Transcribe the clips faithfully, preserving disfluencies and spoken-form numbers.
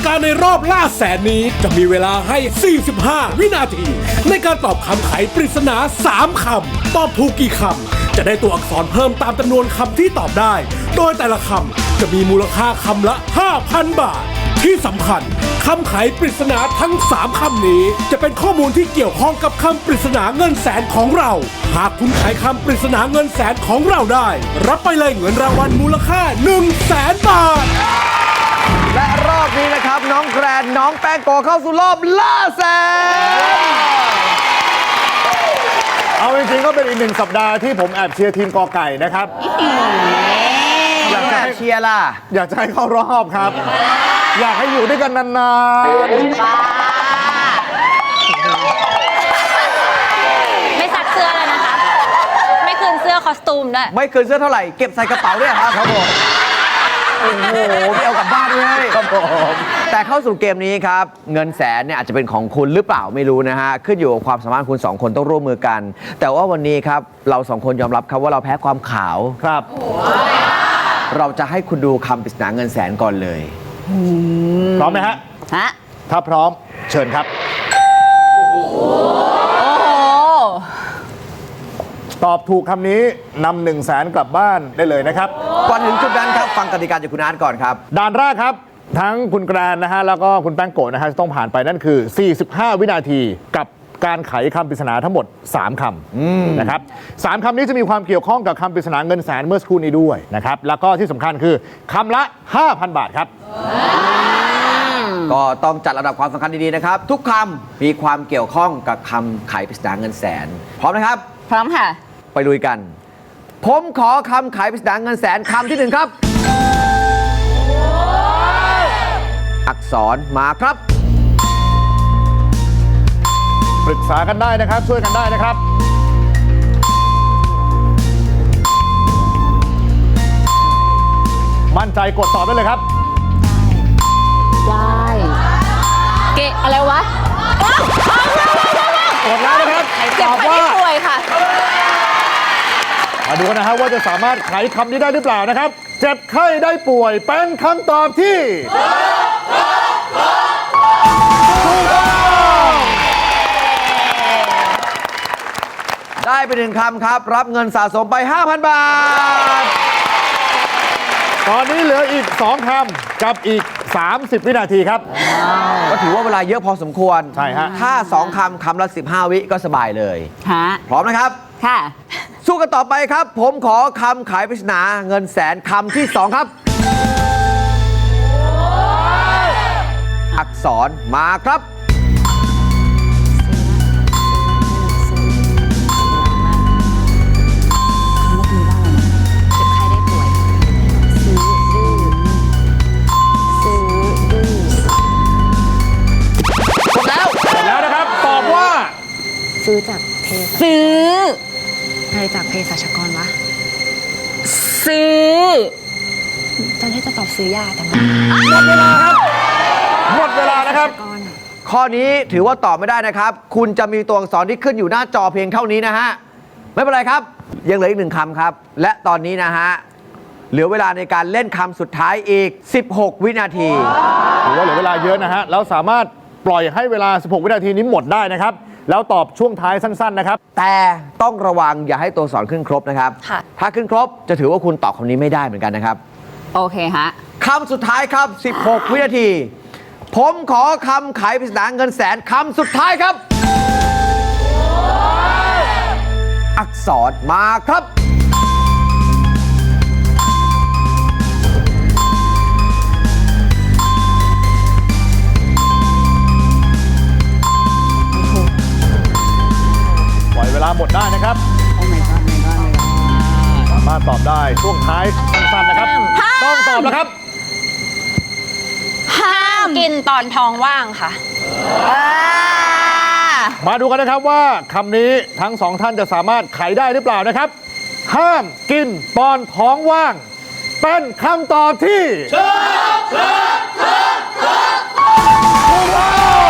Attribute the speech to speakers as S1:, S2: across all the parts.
S1: การในรอบล่าแสนนี้จะมีเวลาให้ สี่สิบห้า วินาที ในการตอบคำไขปริศนา สาม คำ ตอบถูกกี่คำ จะได้ตัวอักษรเพิ่มตามจำนวนคำที่ตอบได้ โดยแต่ละคำจะมีมูลค่าคำละ ห้าพัน บาท ที่สำคัญคำไขปริศนาทั้ง สาม คำนี้จะเป็นข้อมูลที่เกี่ยวข้องกับคำปริศนาเงินแสนของเรา หากคุณไขคำปริศนาเงินแสนของเราได้ รับไปเลยเงินรางวัลมูลค่า หนึ่งแสน บาท
S2: และรอบนี้นะครับน้องแกรนน้องแป้งโกเข้าสู่รอบล่าแสน
S3: เอาจริงๆก็เป็นอีกหนึ่งสัปดาห์ที่ผมแอบเชียร์ทีมกอไก่นะครับ
S2: อยากจะเชียร์ล่ะ
S3: อยากจะให้เข้ารอบครับ อยากให้อยู่ด้วยกันนาน
S4: ไม่ซักเสื้อแล้วนะคะ ไม่คืนเสื้อคอสตูมด้วย
S2: ไม่เกินเสื้อเท่าไหร่เก็บใส่กระเป๋าด้วยครับ
S3: ๆครับผม
S2: โอ้โหพี่เอากลับบ้านด้วย
S3: ครับผม
S2: แต่เข้าสู่เกมนี้ครับ เงินแสนเนี่ยอาจจะเป็นของคุณหรือเปล่าไม่รู้นะฮะ ขึ้นอยู่กับความสามารถคุณสองคนต้องร่วมมือกัน แต่ว่าวันนี้ครับเราสองคนยอมรับครับว่าเราแพ้ความขาว
S3: ครับ
S2: เราจะให้คุณดูคำปริศนาเงินแสนก่อนเลย
S3: พร้อมไหมฮะ
S4: ฮะ
S3: ถ้าพร้อมเชิญครับ
S4: โอ้โห
S3: ตอบถูกคำนี้นำหนึ่งแสนกลับบ้านได้เลยนะครับ
S2: ก่อนถึงจุดนั้นครับฟังกติกาจากคุณอาร์ตก่อนครับ
S3: ด่านแรกครับ ทั้งคุณแกรนนะฮะแล้วก็คุณแป้งโกะนะฮะจะต้องผ่านไปนั่นคือ สี่สิบห้า วินาทีกับการไขคำปริศนาทั้งหมด สาม คำนะครับสามคำนี้จะมีความเกี่ยวข้องกับคำปริศนาเงินแสนเมื่อสักครู่นี้ด้วยนะครับแล้วก็ที่สำคัญคือคำละ ห้าพัน บาทครับ
S2: ก็ต้องจัดระดับความสำคัญดีๆนะครับ ทุกคำมีความเกี่ยวข้องกับคำไขปริศนาเงินแสน พร้อมนะครับ
S4: พร้อมค่ะ
S2: ไปลุยกัน ผมขอคำไขปริศนาเงินแสนคำที่หนึ่งครับ อักษรมาครับ
S3: ปรึกษากันได้นะครับ ช่วยกันได้นะครับ มั่นใจกดตอบได้เลยครับ
S4: ได้ เกะอะไรวะ
S3: กดแล้วนะครับ
S4: เจ็
S3: ต
S4: บ
S3: อบ
S4: ไข้
S3: ว่า
S4: ได้ป่วยค่ะ
S3: มาดูกันนะฮะว่าจะสามารถไขคำนี้ได้หรือเปล่านะครับ เจ็บไข้ได้ป่วยเป็นคำตอบที่ถูกต้อง
S2: ได้ไปหนึ่งคำครับ รับเงินสะสมไป ห้าพัน บาท
S3: ตอนนี้เหลืออีก สอง คำกับอีก สามสิบ วินาทีครับ
S2: ก็ถือว่าเวลาเยอะพอสมควร
S3: ใช่ฮะ
S2: ถ้าสองคำคำละสิบห้า วิก็สบายเลย
S4: ฮะ
S2: พร้อมนะครับ
S4: ค่ะ
S2: สู้กันต่อไปครับ ผมขอคำขายปริศนาเงินแสนคำที่สองครับ อักษรมาครับ
S4: เมื่อกี้ว่าอะไรนะเจ็บไข้ได้ป่วย ซื้อดื้อซื้อดื้อ
S2: หมดแล้ว
S3: หมดแล้วนะครับ ตอบว่า
S5: ซื้อจากเภสัช
S4: ซื้อ
S5: อะไรจากเภสัชกรวะ
S4: ซื้อ
S5: ตอนที่จะตอบซื้อยาแต่มัน
S3: หมดเวลาครับ หมดเวลานะครับ
S5: ก้อนอะ
S2: ข้อนี้ถือว่าตอบไม่ได้นะครับ คุณจะมีตัวอักษรที่ขึ้นอยู่หน้าจอเพียงเท่านี้นะฮะ ไม่เป็นไรครับ ยังเหลืออีกหนึ่งคำครับ และตอนนี้นะฮะ เหลือเวลาในการเล่นคำสุดท้ายอีก สิบหก วินาที
S3: ถือว่าเหลือเวลาเยอะนะฮะ แล้วสามารถปล่อยให้เวลา สิบหก วินาทีนี้หมดได้นะครับ แล้วตอบช่วงท้ายสั้นๆนะครับ
S2: แต่ต้องระวังอย่าให้ตัวอักษรขึ้นครบนะครับ
S4: ค่ะ
S2: ถ้าขึ้นครบจะถือว่าคุณตอบคำนี้ไม่ได้เหมือนกันนะครับ
S4: โอเคฮะ
S2: คำสุดท้ายครับ สิบหก วินาที ผมขอคำไขปริศนาเงินแสนคำสุดท้ายครับ อักษรมาครับ
S3: ปล่อยเวลาหมดได้นะครับ
S4: โอ้ my god my god my god
S3: สามารถตอบได้ช่วงท้ายสั้นๆนะครับ ต้องตอบแล้วครับ
S4: ห้ามกินตอนท้องว่างค่ะ
S3: มาดูกันนะครับว่าคำนี้ทั้งสองท่านจะสามารถไขได้หรือเปล่านะครับ ห้ามกินตอนท้องว่าง เป็นคำตอบที่ถูกต้อง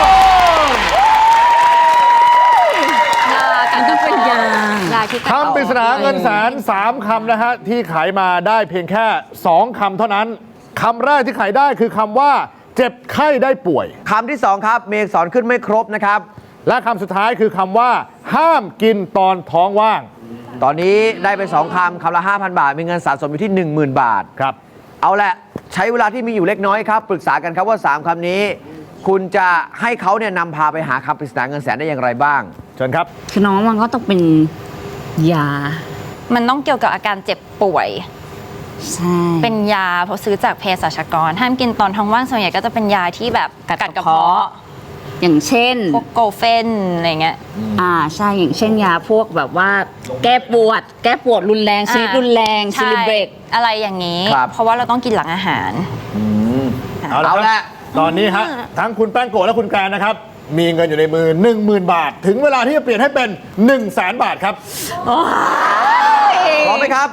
S4: อันต้องเป็นยาลาที่
S3: คำปริศนาเงินแสนสามคำนะฮะที่ไขมาได้เพียงแค่ สอง คำเท่านั้นคำแรกที่ไขได้คือคำว่าเจ็บไข้ได้ป่วย
S2: คำที่สองครับมีอักษรขึ้นไม่ครบนะครับ
S3: และคำสุดท้ายคือคำว่า ห้ามกินตอนท้องว่าง
S2: ตอนนี้ได้ไปสองคำคำละ ห้าพัน บาท มีเงินสะสมอยู่ที่ หนึ่งหมื่น บาท
S3: ครับ
S2: เอาแหละใช้เวลาที่มีอยู่เล็กน้อยครับ ปรึกษากันครับว่า สาม คำนี้ คุณจะให้เขาเนี่ยนำพาไปหาคำปริศนาเงินแสนได้อย่างไรบ้าง
S3: เชิญครับ
S6: คือน้องมันก็ต้องเป็นยา
S4: มันต้องเกี่ยวกับอาการเจ็บป่วย
S6: ใช่
S4: เป็นยาเพราะซื้อจากเภสัชกร ห้ามกินตอนท้องว่างส่วนใหญ่ก็จะเป็นยาที่แบบกัดกระเพาะ
S6: อย่างเช่น
S4: พวกโกเฟนอะไรเงี้ย
S6: อ่าใช่อย่างเช่นยาพวกแบบว่า แก้ปวด แก้ปวดรุนแรงชนิดรุนแรง
S4: ใช่
S6: ซิลิเบรก
S4: อะไรอย่างนี้
S2: ครับ
S4: เพราะว่าเราต้องกินหลังอาหาร
S3: เอาละ
S2: เอา
S3: ค
S2: ละ
S3: รับตอนนี้ฮะทั้งคุณแป้งโกะและคุณแกรนนะครับ มีเงินอยู่ในมือ หนึ่งหมื่น บาท ถึงเวลาที่จะเปลี่ยนให้เป็น หนึ่งแสน บาทครับ
S2: พร้อมไหมครับ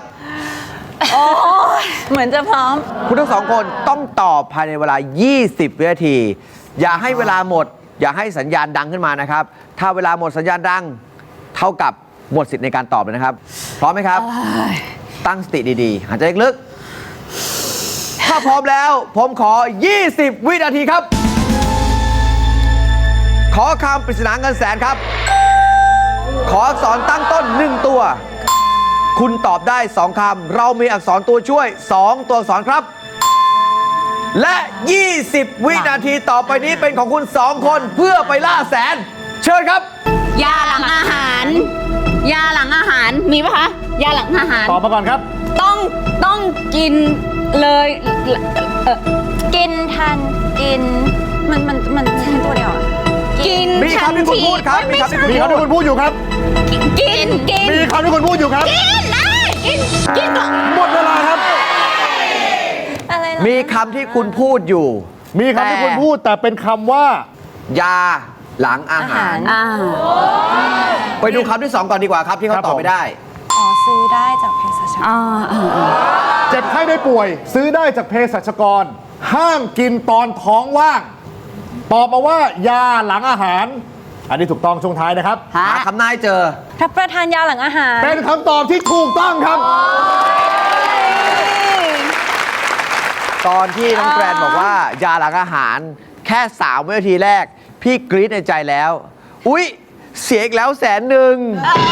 S4: เหมือนจะพร้อม
S2: คุณทั้งสองคนต้องตอบภายในเวลา ยี่สิบ วินาที อย่าให้เวลาหมด อย่าให้สัญญาณดังขึ้นมานะครับ ถ้าเวลาหมดสัญญาณดัง เท่ากับหมดสิทธิ์ในการตอบเลยนะครับ พร้อมไหมครับ ตั้งสติดีๆ หายใจลึกๆถ้าพร้อมแล้ว ผมขอ ยี่สิบ วินาทีครับ ขอคำปริศนาเงินแสนครับ ขออักษรตั้งต้นหนึ่งตัว คุณตอบได้สองคำ เรามีอักษรตัวช่วยสองตัวอักษรครับ และ ยี่สิบ วินาทีต่อไปนี้เป็นของคุณสองคนเพื่อไปล่าแสน เชิญครับ
S6: ยาหลังอาหาร ยาหลังอาหารมีปะคะยาหลังอาหาร
S3: ตอบมาก่อนครับ
S6: ต้องต้องกินเลยเอ่อ
S4: กินทันกิน มันมันมันใช่ตัวเดียวอะ
S6: กิน
S2: มีคำที่คุณพูดครับ
S6: ทันที
S2: มีคำที่คุณ
S3: มีคำที่คุณพูดอยู่ครับ
S6: กินกิน
S3: มีคำที่คุณพูดอยู่ครับ
S6: กินได้กินกินก่อน
S3: หมดเวลาครับ
S4: อะไรเหรอ
S2: มีคำที่คุณพูดอยู่
S3: มีคำที่คุณพูดแต่เป็นคำว่า
S2: ยาหลังอาหาร
S6: อ่า
S2: ไปดูคำที่สองก่อนดีกว่าครับที่เขา
S3: ครับ
S2: ตอบ
S3: ผม
S2: ไม่ได้
S4: อ๋อซื้อได้จากเภสัชกร
S6: อ่าอ่าอ่า
S3: เจ็บไข้ได้ป่วย ซื้อได้จากเภสัชกร ห้ามกินตอนท้องว่าง ตอบมาว่ายาหลังอาหาร อันนี้ถูกต้องช่วงท้ายนะครับ
S6: ฮะ
S2: หาคำนายเจอ
S4: รับประทานยาหลังอาหาร
S3: เป็นคำตอบที่ถูกต้องครับ
S2: ตอนที่น้องแกรนบอกว่ายาหลังอาหารแค่สามวินาทีแรก พี่กรี๊ดในใจแล้ว อุ๊ย เสียอีกแล้วแสนหนึ่ง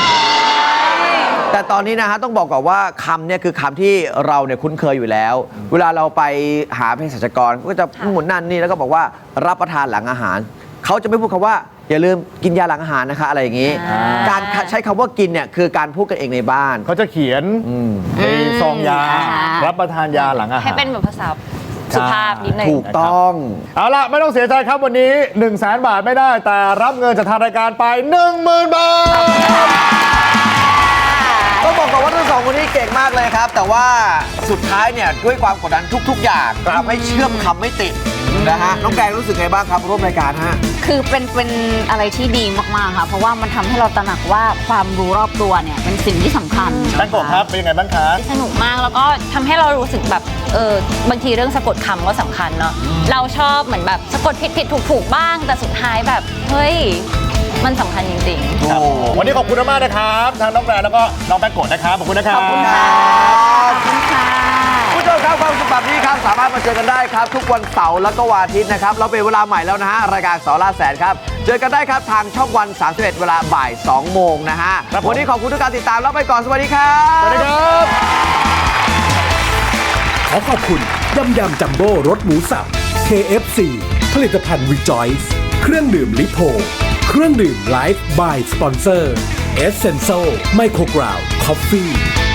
S2: แต่ตอนนี้นะฮะต้องบอกก่อนว่าคำเนี่ยคือคำที่เราเนี่ยคุ้นเคยอยู่แล้ว เวลาเราไปหาเภสัชกรก็จะหมุนนั่นนี่แล้วก็บอกว่ารับประทานหลังอาหาร เขาจะไม่พูดคำว่า อย่าลืมกินยาหลังอาหารนะคะ อะไรอย่างนี้
S4: อ่า
S2: การใช้คำว่ากินเนี่ยคือการพูดกันเองในบ้าน
S3: เขาจะเขียนในซองยา รับประทานยาหลังอาหาร
S4: ให้เป็นแบบภาษาสุภาพนิดนึง
S2: ถูกต้อง
S3: เอาล่ะ ไม่ต้องเสียใจครับวันนี้ หนึ่งแสน บาทไม่ได้ แต่รับเงินจากทางรายการไป หนึ่งหมื่น บาท
S2: ก็บอกก่อนว่าทั้งสองคนนี้เก่งมากเลยครับ แต่ว่าสุดท้ายเนี่ยด้วยความกดดันทุก ๆ อย่างทำให้เชื่อมคำไม่ติดนะฮะน้องแกงรู้สึกไงบ้างครับร่วมรายการฮะ
S6: คือเป็นเป็นอะไรที่ดีมาก ๆ ค่ะ เพราะว่ามันทำให้เราตระหนักว่าความรู้รอบตัวเนี่ยเป็นสิ่งที่สำคัญ
S3: แป้งโกะครับ เป็นยังไงบ้างคะ
S4: สนุกมากแล้วก็ทำให้เรารู้สึกแบบเออบางทีเรื่องสะกดคำก็สำคัญเนาะเราชอบเหมือนแบบสะกดผิดผิดถูกถูกบ้าง แต่สุดท้ายแบบ เฮ้ย มันสำคัญจริงๆ
S3: ครับวันนี้ขอบคุณมากๆนะครับทางน้องแกรนแล้วก็น้องแป้งโกะนะครับ ขอบคุณนะครับ
S2: ขอบคุณครับ
S6: ขอบคุณค่ะ
S2: ผู้ชมครับความสุขแบบนี้ครับสามารถมาเจอกันได้ครับ ทุกวันเสาร์แล้วก็วันอาทิตย์นะครับเราเป็นเวลาใหม่แล้วนะฮะรายการสอล่าแสนครับ เจอกันได้ครับทางช่องวันสามสิบเอ็ดเวลาบ่ายสองโมงนะฮะ
S3: ครับผม
S2: วันนี้ขอบคุณทุกการติดตามแล้วไปก่อนสวัสดีครับ
S3: สวัสดีครับ
S1: ขอขอบคุณยำยำจัมโบ้รสหมูสับ เค เอฟ ซี ผลิตภัณฑ์ Rejoice เครื่องดื่มลิโพเครื่องดื่ม Life by Sponsor Essential Microground Coffee